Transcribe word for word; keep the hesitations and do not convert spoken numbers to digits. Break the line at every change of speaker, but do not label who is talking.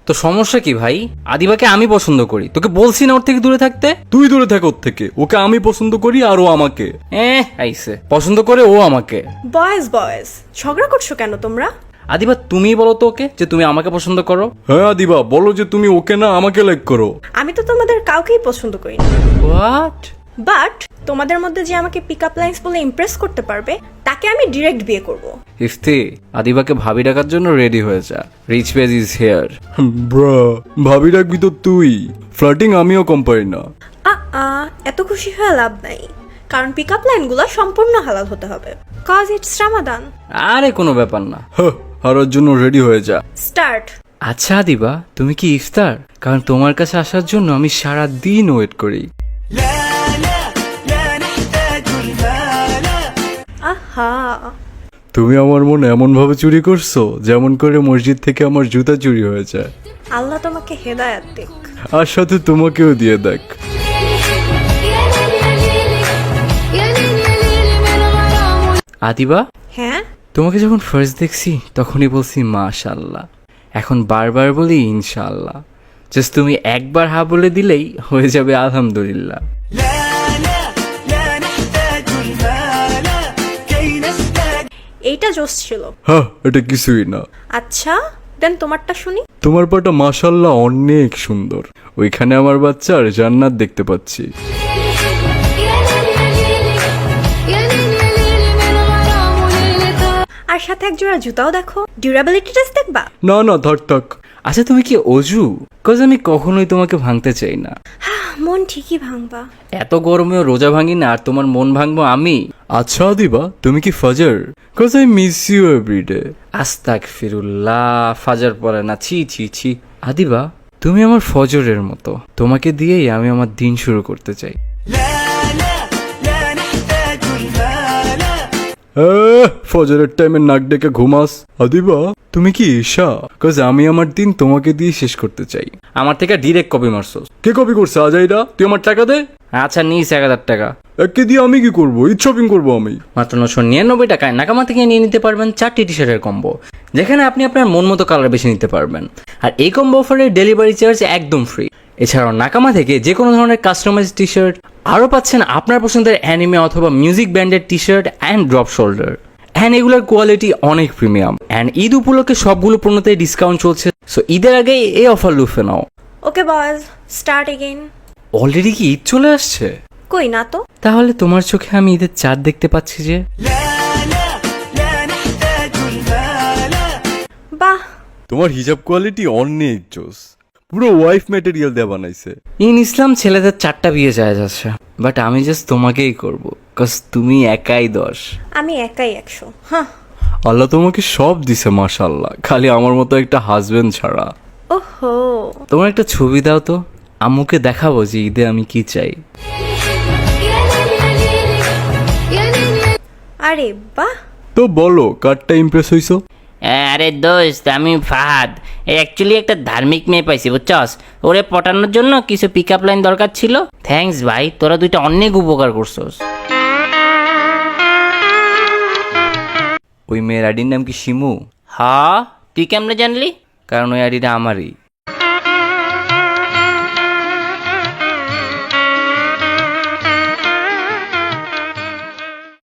তো সমস্যা কি ভাই? আদিবাকে আমি পছন্দ করি, তোকে বলছি না ওর থেকে দূরে থাকতে?
তুই দূরে থাক ওর থেকে, ওকে আমি পছন্দ করি আর ও আমাকে।
এ আইসে পছন্দ করে ও আমাকে।
বয়েজ বয়েজ ঝগড়া করছো কেন তোমরা?
আদিবা তুমি বলো তো ওকে যে তুমি আমাকে পছন্দ করো।
হ্যাঁ আদিবা, বলো যে তুমি ওকে না আমাকে লাইক করো।
আমি তো তোমাদের কাউকেই পছন্দ করি না,
হোয়াট?
বাট তোমাদের মধ্যে যে আমাকে পিক আপ লাইন্স বলে ইমপ্রেস করতে পারবে তাকে আমি ডিরেক্ট বিয়ে করব।
ইফতি, আদিবাকে ভাবি ডাকার জন্য রেডি হয়ে যা। Rich page is here.
Bro, ভাবি রাখবি তো তুই, ফ্লার্টিং আমিও কম পারি না।
আ আ এত খুশি হয়ে লাভ নাই, কারণ পিক আপ লাইনগুলো সম্পূর্ণ হালাল হতে হবে, কজ ইটস রামাদান।
আরে কোনো ব্যাপার না।
হ্যাঁ, হারার জন্য রেডি হয়ে যা।
স্টার্ট।
আচ্ছা আদিবা, তুমি কি ইফতার? কারণ তোমার কাছে আসার জন্য আমি সারা দিন ওয়েট করি।
আহা,
তুমি আমার মন এমন ভাবে চুরি করছো যেমন করে মসজিদ থেকে আমার জুতা চুরি হয়ে যায়।
আল্লাহ তোমাকে হেদায়াত দিক।
আর সাথে তোমাকেও দিয়ে দেখ।
আদিবা,
হ্যাঁ,
তোমাকে যখন ফার্স্ট দেখছি তখনই বলছি মাশাআল্লাহ, এখন বারবার বলি ইনশাআল্লাহ। জাস্ট তুমি একবার হা বলে দিলেই হয়ে যাবে আলহামদুলিল্লাহ।
এইটা জোস ছিল।
হ্যাঁ, এটা কিছুই না।
আচ্ছা দেন তোমারটা শুনি।
তোমার পাটা মাশাআল্লাহ অনেক সুন্দর, ওইখানে আমার বাচ্চার জান্নাত দেখতে পাচ্ছি।
আর সাথে এক জোড়া জুতাও দেখো, ডিউরাবিলিটি টেস্ট দেখবা?
না না, থাক থাক।
আচ্ছা তুমি কি অজু? কজ আমি কখনোই তোমাকে ভাঙতে চাই না।
মন ঠিকই ভাঙবা।
এত গরমেও রোজা ভাঙি না, আর তোমার মন ভাঙবো আমি?
আচ্ছা আদিবা, তুমি কি ফাজার? Cause I miss you everyday.
আস্তাগফিরুল্লাহ, ফাজার পড়ে না, ছি ছি ছি। আদিবা, তুমি আমার ফজরের মতো, তোমাকে দিয়েই আমি আমার দিন শুরু করতে চাই।
ফজরের টাইমে নাক ডেকে ঘুমাস। আদিবা, তুমি কি ঈশা? কজ আমি আমার দিন তোমাকে দিয়ে শেষ করতে চাই।
আমার থেকে ডিরেক্ট কপি মারছোস।
কে কপি করছে আজাইরা? তুই আমার টাকা দে।
আচ্ছা নিস এক হাজার টাকা।
একে দিয়ে আমি কি করবো? ঈদ শপিং করবো আমি।
মাত্র নশো নিরানব্বই টাকায় নাকামা থেকে নিয়ে নিতে পারবেন চারটি টি শার্টের কম্বো, যেখানে আপনি আপনার মন মতো কালার বেছে নিতে পারবেন। আর এই কম্বো অফারের ডেলিভারি চার্জ একদম ফ্রি। এছাড়াও নাকামা থেকে যে কোনো ধরনের কাস্টমাইজ টি শার্ট, আরও পাচ্ছেন আপনার পছন্দের অ্যানিমে অথবা মিউজিক ব্যান্ডের T shirt and drop shoulder. And এগুলোর কোয়ালিটি অনেক প্রিমিয়াম। অ্যান্ড ঈদ উপলক্ষে সবগুলো পণ্যতে ডিসকাউন্ট চলছে, সো ঈদের আগেই এই অফার লুফে নাও।
Okay boys, start again.
Already কি ঈদ চলে আসছে?
কই না তো।
তাহলে তোমার চোখে আমি ঈদের চাঁদ দেখতে পাচ্ছি যে।
বাহ,
তোমার হিজাব কোয়ালিটি অনেক জোস, পুরো ওয়াইফ ম্যাটেরিয়াল দিয়ে বানাইছে।
ইন ইসলাম ছেলেদের চারটা বিয়ে যায় যাচ্ছে, বাট আমি জাস্ট তোমাকেই করবো, কজ তুমি একাই দশ।
আমি একাই একশো। হ্যাঁ,
আল্লাহ তোমাকে সব দিছে মাশাআল্লাহ, খালি আমার মতো একটা হাজবেন্ড ছাড়া।
ওহো,
তোমার একটা ছবি দাও তো, আম্মুকে দেখাবো যে ঈদে আমি কি চাই।
আরে বাহ।
তো বলো, কারটা ইমপ্রেস হইছো?
আরে দোস্ত, আমি ফাহাদ। অ্যাকচুয়ালি একটা ধার্মিক মেয়ে পাইছি বুঝছস, ওরে পটানোর জন্য কিছু পিক আপ লাইন দরকার ছিল। থ্যাঙ্কস ভাই, তোরা দুইটা অনেক উপকার করছস।
ওই মেয়ের আইডির নাম কি শিমু?
হ, তুই কেমনে জানলি?
কারণ ওই আইডিটা আমারই।